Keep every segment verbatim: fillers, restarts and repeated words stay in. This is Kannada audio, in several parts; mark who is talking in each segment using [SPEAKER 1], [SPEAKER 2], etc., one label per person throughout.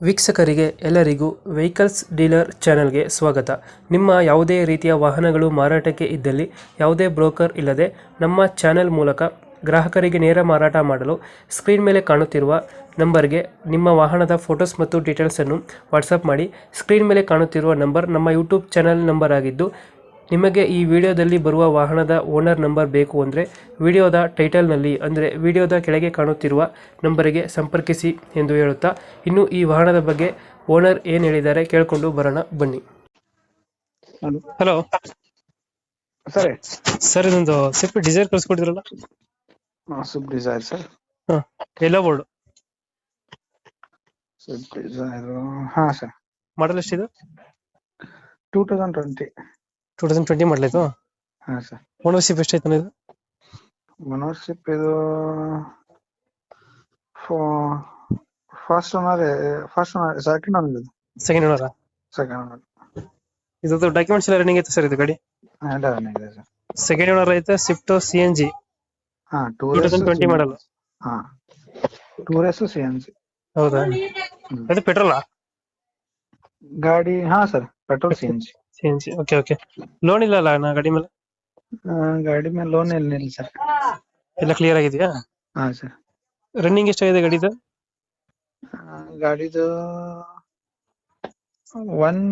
[SPEAKER 1] ವೀಕ್ಷಕರಿಗೆ ಎಲ್ಲರಿಗೂ ವೆಹಿಕಲ್ಸ್ ಡೀಲರ್ ಚಾನೆಲ್ಗೆ ಸ್ವಾಗತ. ನಿಮ್ಮ ಯಾವುದೇ ರೀತಿಯ ವಾಹನಗಳು ಮಾರಾಟಕ್ಕೆ ಇದ್ದಲ್ಲಿ ಯಾವುದೇ ಬ್ರೋಕರ್ ಇಲ್ಲದೆ ನಮ್ಮ ಚಾನೆಲ್ ಮೂಲಕ ಗ್ರಾಹಕರಿಗೆ ನೇರ ಮಾರಾಟ ಮಾಡಲು ಸ್ಕ್ರೀನ್ ಮೇಲೆ ಕಾಣುತ್ತಿರುವ ನಂಬರ್ಗೆ ನಿಮ್ಮ ವಾಹನದ ಫೋಟೋಸ್ ಮತ್ತು ಡೀಟೇಲ್ಸನ್ನು ವಾಟ್ಸಪ್ ಮಾಡಿ. ಸ್ಕ್ರೀನ್ ಮೇಲೆ ಕಾಣುತ್ತಿರುವ ನಂಬರ್ ನಮ್ಮ ಯೂಟ್ಯೂಬ್ ಚಾನೆಲ್ ನಂಬರ್ ಆಗಿದ್ದು, ನಿಮಗೆ ಈ ವಿಡಿಯೋದಲ್ಲಿ ಬರುವ ವಾಹನದ ಓನರ್ ನಂಬರ್ ಬೇಕು ಅಂದರೆ ವಿಡಿಯೋದ ಟೈಟಲ್ನಲ್ಲಿ ಅಂದರೆ ವಿಡಿಯೋದ ಕೆಳಗೆ ಕಾಣುತ್ತಿರುವ ನಂಬರಿಗೆ ಸಂಪರ್ಕಿಸಿ ಎಂದು ಹೇಳುತ್ತಾ, ಇನ್ನು ಈ ವಾಹನದ ಬಗ್ಗೆ ಓನರ್ ಏನು ಹೇಳಿದ್ದಾರೆ ಕೇಳಿಕೊಂಡು ಬರೋಣ ಬನ್ನಿ. ಹಲೋ
[SPEAKER 2] ಸರಿ
[SPEAKER 1] ಸರ್, ಇದೊಂದು ಸ್ವಿಫ್ಟ್ ಡಿಸೈರ್ ಕಳಿಸ್ಕೊಟ್ಟಿದ್ರಲ್ಲ?
[SPEAKER 2] Swift Dzire sir.
[SPEAKER 1] ಹಾಂ, ಎಲ್ಲ ಬೋರ್ಡು
[SPEAKER 2] ಸ್ವಿಫ್ಟ್ ಡಿಸೈರ್ ಹಾ ಸರ್.
[SPEAKER 1] ಮಾಡಲ್ ಎಷ್ಟಿದೆ?
[SPEAKER 2] Two thousand twenty
[SPEAKER 1] two thousand twenty model ಇದು.
[SPEAKER 2] ಹಾ ಸರ್.
[SPEAKER 1] ಓನರ್ಶಿಪ್ ಎಷ್ಟೈತೆ ಇದು?
[SPEAKER 2] ಓನರ್ಶಿಪ್ ಇದು first owner first owner second owner ಇದು
[SPEAKER 1] ಸೆಕೆಂಡ್ ಓನರ್.
[SPEAKER 2] Second owner.
[SPEAKER 1] ಇದು ಡಾಕ್ಯುಮೆಂಟ್ಸ್ ಎಲ್ಲ ರನ್ನಿಂಗ್ ಐತೆ ಸರ್ ಇದು ಗಾಡಿ?
[SPEAKER 2] ಎಲ್ಲ ರನ್ನಿಂಗ್ ಇದೆ ಸರ್.
[SPEAKER 1] ಸೆಕೆಂಡ್ ಓನರ್ ಐತೆ, ಸ್ವಿಫ್ಟ್ ಸಿ ಎನ್ ಜಿ
[SPEAKER 2] ಹಾ ಟೂ
[SPEAKER 1] ಟೂ ತೌಸಂಡ್ ಟ್ವೆಂಟಿ ಮಾಡಲ್.
[SPEAKER 2] ಹಾ ಟೂರೆಸ್ ಸಿ ಎನ್ ಜಿ.
[SPEAKER 1] ಹೌದಾ? ಅದು ಪೆಟ್ರೋಲಾ
[SPEAKER 2] ಗಾಡಿ? ಹಾ sir, petrol C N G.
[SPEAKER 1] C N G. Okay okay. Loan ಇಲ್ಲ ಅಲ್ಲ ನಾ ಗಾಡಿ ಮೇಲೆ?
[SPEAKER 2] ಗಾಡಿ ಮೇಲೆ ಲೋನ್ ಏನಿಲ್ಲ ಸರ್.
[SPEAKER 1] ಎಲ್ಲ ಕ್ಲಿಯರ್ ಆಗಿದೆಯಾ?
[SPEAKER 2] ಹಾ ಸರ್.
[SPEAKER 1] ರನ್ನಿಂಗ್ ಎಷ್ಟಾಗಿದೆ ಗಾಡಿದು?
[SPEAKER 2] ಗಾಡಿದು ಒನ್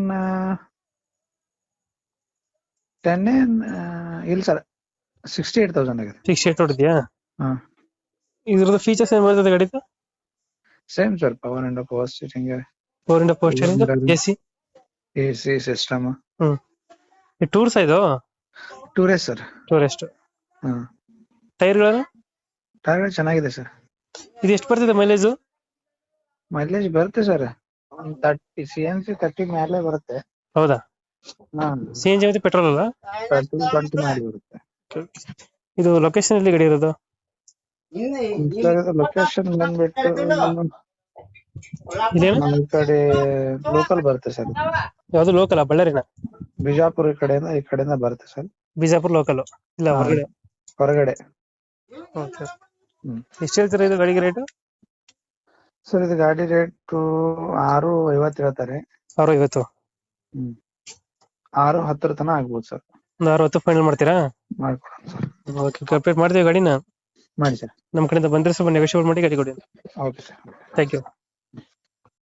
[SPEAKER 2] ಟೆನ್ ಇಲ್ಲ ಸರ್, ಸಿಕ್ಸ್ಟಿ ಏಟ್ ತೌಸಂಡ್ ಆಗಿದೆ.
[SPEAKER 1] ಸಿಕ್ಸ್ ಏಟ್ ಹೊಡಿದ್ಯಾ?
[SPEAKER 2] ಹಾ.
[SPEAKER 1] ಇದ್ರದ್ದು ಫೀಚರ್ಸ್ ಏನ್ ಬರ್ತದೆ ಗಾಡಿದು?
[SPEAKER 2] Same sir, power and power steering,
[SPEAKER 1] four and four steering, AC,
[SPEAKER 2] AC system.
[SPEAKER 1] ಹ್ಮ್. ಟೂರ್ಸ್ ಇದು?
[SPEAKER 2] Tourist sir.
[SPEAKER 1] ಟೂರೆಸ್ಟ್.
[SPEAKER 2] ಹ್ಮ್.
[SPEAKER 1] ಟೈರ್ಗಳು?
[SPEAKER 2] ಟೈರ್ ಚೆನ್ನಾಗಿದೆ ಸರ್.
[SPEAKER 1] ಇದು ಎಷ್ಟು ಬರ್ತಿದೆ ಮೈಲೇಜ್?
[SPEAKER 2] ಮೈಲೇಜ್ ಬರುತ್ತೆ ಸರ್, ಒಂದು thirty C N C thirty ಮೇಲೆ ಬರುತ್ತೆ.
[SPEAKER 1] ಹೌದಾ? ಸಿ ಎನ್ ಜಿ ಮತ್ತೆ ಪೆಟ್ರೋಲ್ ಅಲ್ಲ?
[SPEAKER 2] ತರ್ಟಿ ಟ್ವೆಂಟಿ ಮಾಡಿ ಬರುತ್ತೆ.
[SPEAKER 1] ಇದು ಲೊಕೇಶನ್ ಎಲ್ಲಿ ಗಾಡಿ ಇರೋದು?
[SPEAKER 2] ಲೊಕೇಶನ್ ಬಂದ್ಬಿಟ್ಟು
[SPEAKER 1] ಇದೇನು
[SPEAKER 2] ನಮ್ಮ ಈ ಕಡೆ ಲೋಕಲ್ ಬರುತ್ತೆ ಸರ್.
[SPEAKER 1] ಯಾವ್ದು ಲೋಕಲ್? ಬಳ್ಳಾರಿನ?
[SPEAKER 2] ಬಿಜಾಪುರ ಈ ಕಡೆಯಿಂದ ಈ ಕಡೆಯಿಂದ ಬರುತ್ತೆ ಸರ್.
[SPEAKER 1] ಬಿಜಾಪುರ ಲೋಕಲ್ ಇಲ್ಲ ಹೊರಗಡೆ?
[SPEAKER 2] ಹೊರಗಡೆ.
[SPEAKER 1] ಓಕೆ. ಎಷ್ಟು ಹೇಳ್ತೀರಾ ಇದು ಗಾಡಿಗೆ ರೇಟ್?
[SPEAKER 2] ಸರ್ ಇದು ಗಾಡಿ ರೇಟ್ ಆರು ಐವತ್ತು ಹೇಳ್ತಾರೆ.
[SPEAKER 1] ಆರು ಐವತ್ತು?
[SPEAKER 2] ಹ್ಮ್. ಆರು ಹತ್ತರ ತನಕ ಆಗ್ಬೋದು ಸರ್.
[SPEAKER 1] ಒಂದು ಆರು ಹತ್ತು ಫೈನಲ್ ಮಾಡ್ತೀರಾ?
[SPEAKER 2] ಮಾಡ್ಕೊಡೋಣ ಸರ್.
[SPEAKER 1] ಓಕೆ, ಕಂಪ್ಲೀಟ್ ಮಾಡ್ತೀವಿ ಗಾಡಿನ.
[SPEAKER 2] ಮಾಡಿ ಸರ್.
[SPEAKER 1] ನಮ್ಮ ಕಡೆಯಿಂದ ಬಂದ್ರೆ ಸ್ವಲ್ಪ ನೆಗೋಷಿಯೇಟ್ ಮಾಡಿ ಗಾಡಿ ಕೊಡಿ.
[SPEAKER 2] Okay sir.
[SPEAKER 1] Thank you.